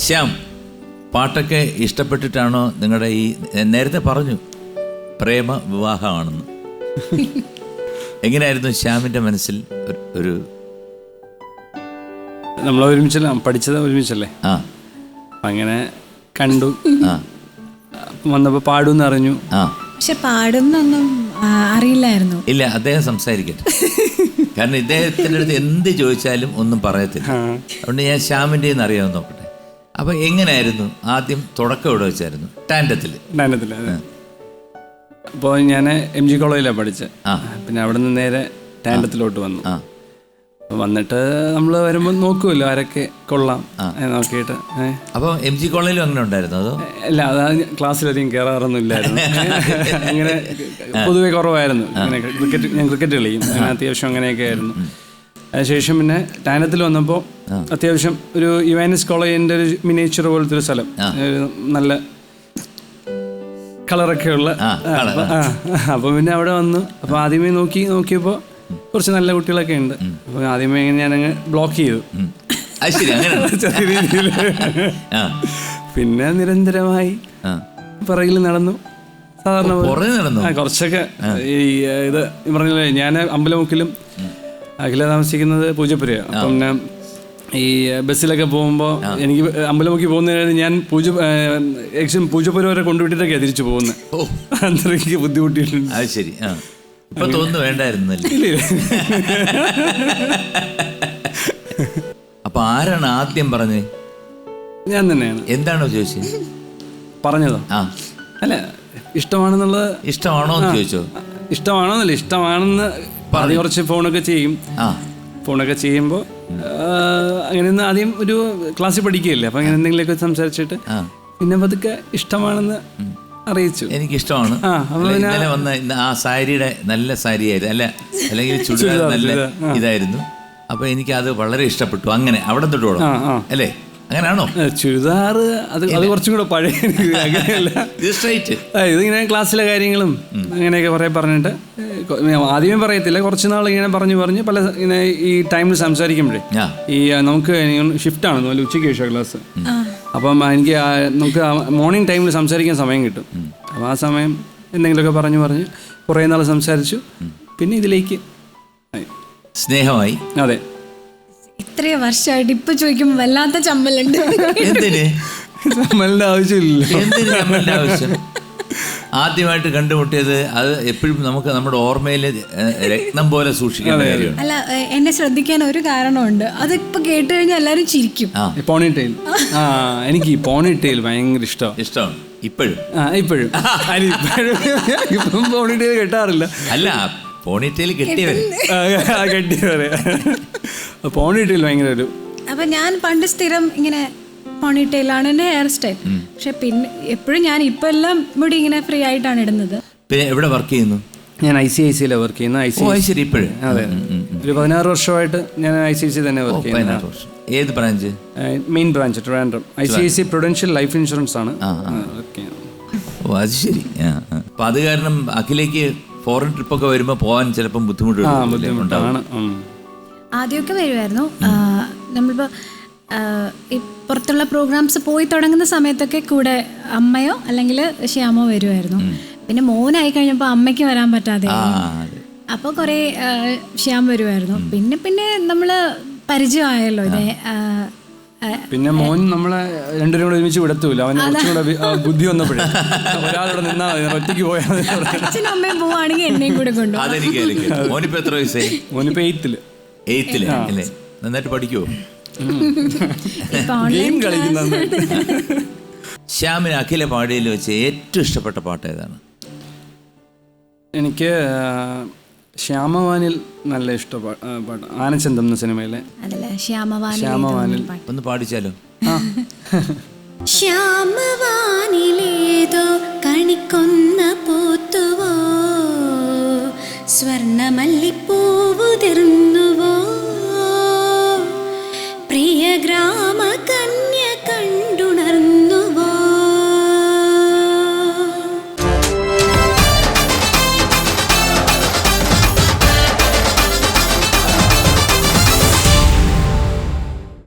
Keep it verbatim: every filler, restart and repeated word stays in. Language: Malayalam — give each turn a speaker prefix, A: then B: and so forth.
A: ശ്യാം, പാട്ടൊക്കെ ഇഷ്ടപ്പെട്ടിട്ടാണോ നിങ്ങളുടെ ഈ നേരത്തെ പറഞ്ഞു പ്രേമ വിവാഹമാണെന്ന്? എങ്ങനെയായിരുന്നു ശ്യാമിൻ്റെ മനസ്സിൽ ഒരു?
B: നമ്മൾ ഒരുമിച്ചല്ല പഠിച്ചത്, ഒരുമിച്ചല്ലേ?
A: ആ,
B: അങ്ങനെ കണ്ടു.
A: ആ,
B: വന്നപ്പോൾ പാടുമെന്ന് അറിഞ്ഞു.
A: ആ,
C: പക്ഷെ പാടുന്നൊന്നും അറിയില്ലായിരുന്നു.
A: ഇല്ല, അദ്ദേഹം സംസാരിക്കട്ടെ. കാരണം ഇദ്ദേഹത്തിൻ്റെ അടുത്ത് എന്ത് ചോദിച്ചാലും ഒന്നും പറയത്തില്ല. അതുകൊണ്ട് ഞാൻ ശ്യാമിൻ്റെ അറിയാമെന്ന് നോക്കട്ടെ. അപ്പൊ എങ്ങനെയായിരുന്നു ആദ്യം തുടക്കം ഇവിടെ വെച്ചായിരുന്നു? ടാൻഡത്തിൽ.
B: ടാൻഡത്തിൽ അപ്പോൾ ഞാൻ എം ജി കോളേജിലാണ് പഠിച്ചത്. പിന്നെ അവിടെ നിന്ന് നേരെ ടാൻഡത്തിലോട്ട് വന്നു. വന്നിട്ട് നമ്മൾ വരുമ്പോൾ നോക്കുമല്ലോ ആരൊക്കെ കൊള്ളാം നോക്കിയിട്ട്.
A: അപ്പോൾ എം ജി കോളേജിലും അങ്ങനെ ഉണ്ടായിരുന്നു അതോ?
B: അല്ല, അത് ക്ലാസ്സിലധികം കയറാറൊന്നും ഇല്ലായിരുന്നു. അങ്ങനെ പൊതുവെ കുറവായിരുന്നു. അങ്ങനെ ക്രിക്കറ്റ് ഞാൻ ക്രിക്കറ്റ് കളിയും, അങ്ങനെ അത്യാവശ്യം അങ്ങനെയൊക്കെ ആയിരുന്നു. അതിനുശേഷം പിന്നെ ടാനത്തിൽ വന്നപ്പോൾ അത്യാവശ്യം ഒരു യുവാനിസ് കോളേജിൻ്റെ ഒരു മിനിയേച്ചർ പോലത്തെ ഒരു സ്ഥലം, നല്ല കളറൊക്കെ ഉള്ള. അപ്പോൾ പിന്നെ അവിടെ വന്നു. അപ്പോൾ ആദ്യമേ നോക്കി നോക്കിയപ്പോൾ കുറച്ച് നല്ല കുട്ടികളൊക്കെ ഉണ്ട്. അപ്പോൾ ആദ്യമേ ഞാനങ്ങ് ബ്ലോക്ക് ചെയ്തു ചെറിയ രീതിയിൽ. പിന്നെ നിരന്തരമായി പുറകിൽ നടന്നു. സാധാരണ കുറച്ചൊക്കെ ഈ ഇത് പറഞ്ഞില്ലേ, ഞാൻ അമ്പലമുക്കിലും അഖില താമസിക്കുന്നത് പൂജപ്പുരയാണ്. അപ്പം പിന്നെ ഈ ബസ്സിലൊക്കെ പോകുമ്പോൾ എനിക്ക് അമ്പലമുക്കി പോകുന്നതിന് ഞാൻ പൂജ ഏകദേശം പൂജപ്പുര വരെ കൊണ്ടുവിട്ടിട്ടൊക്കെയാണ് തിരിച്ചു പോകുന്നത്. അത്രയ്ക്ക് ബുദ്ധിമുട്ടിയിട്ടുണ്ട്.
A: അത് ശരി. ഇപ്പൊ തോന്നുന്നു വേണ്ടായിരുന്നല്ലേ? അപ്പൊ ആരാണ് ആദ്യം പറഞ്ഞത്?
B: ഞാൻ തന്നെയാണ്.
A: എന്താണോ ചോദിച്ചത്?
B: പറഞ്ഞതോ? ആ അല്ല, ഇഷ്ടമാണെന്നുള്ളത്.
A: ഇഷ്ടമാണോ എന്ന് ചോദിച്ചോ?
B: ഇഷ്ടമാണോന്നല്ല, ഇഷ്ടമാണെന്ന് പറഞ്ഞ് കുറച്ച് ഫോണൊക്കെ ചെയ്യും. ഫോണൊക്കെ ചെയ്യുമ്പോൾ അങ്ങനെ ആദ്യം ഒരു ക്ലാസ്സിൽ പഠിക്കുകയല്ലേ, അപ്പം അങ്ങനെ എന്തെങ്കിലുമൊക്കെ സംസാരിച്ചിട്ട് പിന്നെ പതുക്കെ ഇഷ്ടമാണെന്ന് അറിയിച്ചു.
A: എനിക്കിഷ്ടമാണ്. ഇന്നലെ വന്ന ആ സാരിയുടെ നല്ല സാരിയായിരുന്നു, അല്ല അല്ലെങ്കിൽ ചുരിദാർ നല്ല ഇതായിരുന്നു. അപ്പൊ എനിക്കത് വളരെ ഇഷ്ടപ്പെട്ടു. അങ്ങനെ അവിടെ തൊട്ടോളൂ അല്ലേ? അങ്ങനെയാണോ?
B: ചുരിദാർ അത് അത് കുറച്ചും കൂടെ പഴയ. അങ്ങനെയല്ല, ഇതിങ്ങനെ ക്ലാസ്സിലെ കാര്യങ്ങളും അങ്ങനെയൊക്കെ കുറേ പറഞ്ഞിട്ട് ആദ്യമേ പറയത്തില്ല, കുറച്ച് നാൾ ഇങ്ങനെ പറഞ്ഞു പറഞ്ഞ് പല ഇങ്ങനെ ഈ ടൈമിൽ സംസാരിക്കുമ്പോഴേ ഈ നമുക്ക് ഷിഫ്റ്റാണ് നല്ല ഉച്ചയ്ക്ക് ശേഷം ക്ലാസ്. അപ്പം എനിക്ക് നമുക്ക് മോർണിംഗ് ടൈമിൽ സംസാരിക്കാൻ സമയം കിട്ടും. അപ്പം ആ സമയം എന്തെങ്കിലുമൊക്കെ പറഞ്ഞു പറഞ്ഞ് കുറേ നാൾ സംസാരിച്ചു. പിന്നെ ഇതിലേക്ക്
A: സ്നേഹമായി.
B: അതെ,
C: ഇത്രയും വർഷമായിട്ട് ഇപ്പൊ ചോദിക്കുമ്പോൾ വല്ലാത്ത ചമ്മലുണ്ട്.
B: ചമ്മലിന്റെ ആവശ്യമില്ല.
A: ആവശ്യം ആദ്യമായിട്ട് കണ്ടുമുട്ടിയത് അത് എപ്പോഴും നമുക്ക് നമ്മുടെ ഓർമ്മയിൽ രത്നം പോലെ സൂക്ഷിക്കേണ്ട കാര്യമാണ്.
C: അല്ല, എന്നെ ശ്രദ്ധിക്കാൻ ഒരു കാരണമുണ്ട്. അതിപ്പോ കേട്ട് കഴിഞ്ഞാൽ എല്ലാരും ചിരിക്കും.
B: Pony tail. ആ, എനിക്ക് ഈ പോണി ടെയിൽ ഭയങ്കര ഇഷ്ടമാണ്. ഇഷ്ടമാണ്
A: ഇപ്പോഴും?
B: ആ, ഇപ്പോഴും. ഇപ്പം പോണി ടെയിൽ കെട്ടാറില്ല.
A: അല്ല, പോണിറ്റെയിൽ കെട്ടിയവരെ
B: കെട്ടിയവരെ പോണിറ്റെയിൽ ഭയങ്കര ഒരു.
C: അപ്പൊ ഞാൻ പണ്ട് സ്ഥിരം ഇങ്ങനെ പോണിറ്റെയിലാണ് എൻ്റെ ഹെയർ സ്റ്റൈൽ. പക്ഷെ പിന്നെ എപ്പോഴും ഞാൻ ഇപ്പൊ എല്ലാം മുടി ഇങ്ങനെ ഫ്രീ ആയിട്ടാണ് ഇടുന്നത്.
A: പിന്നെ എവിടെ വർക്ക് ചെയ്യുന്നു?
B: ഞാൻ ഐ സി ഐ സിയിലാണ് വർക്ക് ചെയ്യുന്നത്. ഐ സി ഐ സി ഇപ്പോഴും. അതെ, ഒരു പതിനാറ് വർഷമായിട്ട് ഞാൻ ഐ സി ഐ സി തന്നെ വർക്ക് ചെയ്യുന്നത്.
A: ഏത് branch?
B: Main branch Trivandrum. I C I C prudential life insurance ആണ് വർക്ക് ചെയ്യുന്നത്.
A: ഓ, അത് ശരി. അപ്പൊ അത് കാരണം അഖിലേക്ക് ഫോറിൻ ട്രിപ്പൊക്കെ വരുമ്പോൾ പോകാൻ ചിലപ്പം ബുദ്ധിമുട്ടുണ്ടാണ്.
C: ആദ്യമൊക്കെ വരുമായിരുന്നു. നമ്മളിപ്പോൾ ഈ പുറത്തുള്ള പ്രോഗ്രാംസ് പോയി തുടങ്ങുന്ന സമയത്തൊക്കെ കൂടെ അമ്മയോ അല്ലെങ്കിൽ ശ്യാമോ വരുമായിരുന്നു. പിന്നെ മോനായി കഴിഞ്ഞപ്പോൾ അമ്മയ്ക്ക് വരാൻ പറ്റാതെ അപ്പോൾ കുറേ ശ്യാം വരുമായിരുന്നു. പിന്നെ പിന്നെ നമ്മൾ പരിചയമായല്ലോ ഇതേ.
B: പിന്നെ മോൻ നമ്മളെ രണ്ടുപേരും കൂടെ ഒരുമിച്ച് വിടത്തൂല. അവന് കുറച്ചുകൂടെ ബുദ്ധി വന്നപ്പോഴേ ഒരാളോടെ നിന്നാ മതി, ഒറ്റയ്ക്ക് പോയാൽ
C: അച്ഛനും അമ്മയും പോവാണെങ്കിൽ എന്നെയും കൂടെ കൊണ്ടുപോകും.
A: മോനിപ്പോ എത്ര വയസ്സായി?
B: മോനിപ്പോ എയ്ത്തില്.
A: എയ്ത്തില് അല്ലേ? നന്നായിട്ട് പഠിക്കുവോ?
B: ഗെയിം കളിക്കുന്ന.
A: ശ്യാമിന് അഖില പാടിയിൽ വെച്ച് ഏറ്റവും ഇഷ്ടപ്പെട്ട പാട്ട് ഏതാണ്?
B: എനിക്ക് ശ്യാമവാനിൽ നല്ല ഇഷ്ടപാട്ട്. ആനച്ചന്തം എന്ന സിനിമയിലെ ശ്യാമവാനിൽ
A: ഒന്ന് പാടിച്ചാലോ?
D: ശ്യാമവാനിലേതോ കണിക്കൊന്ന പൂത്തുവോ, സ്വർണമല്ലിപ്പൂവുതിർന്നുവോ, പ്രിയഗ്രാ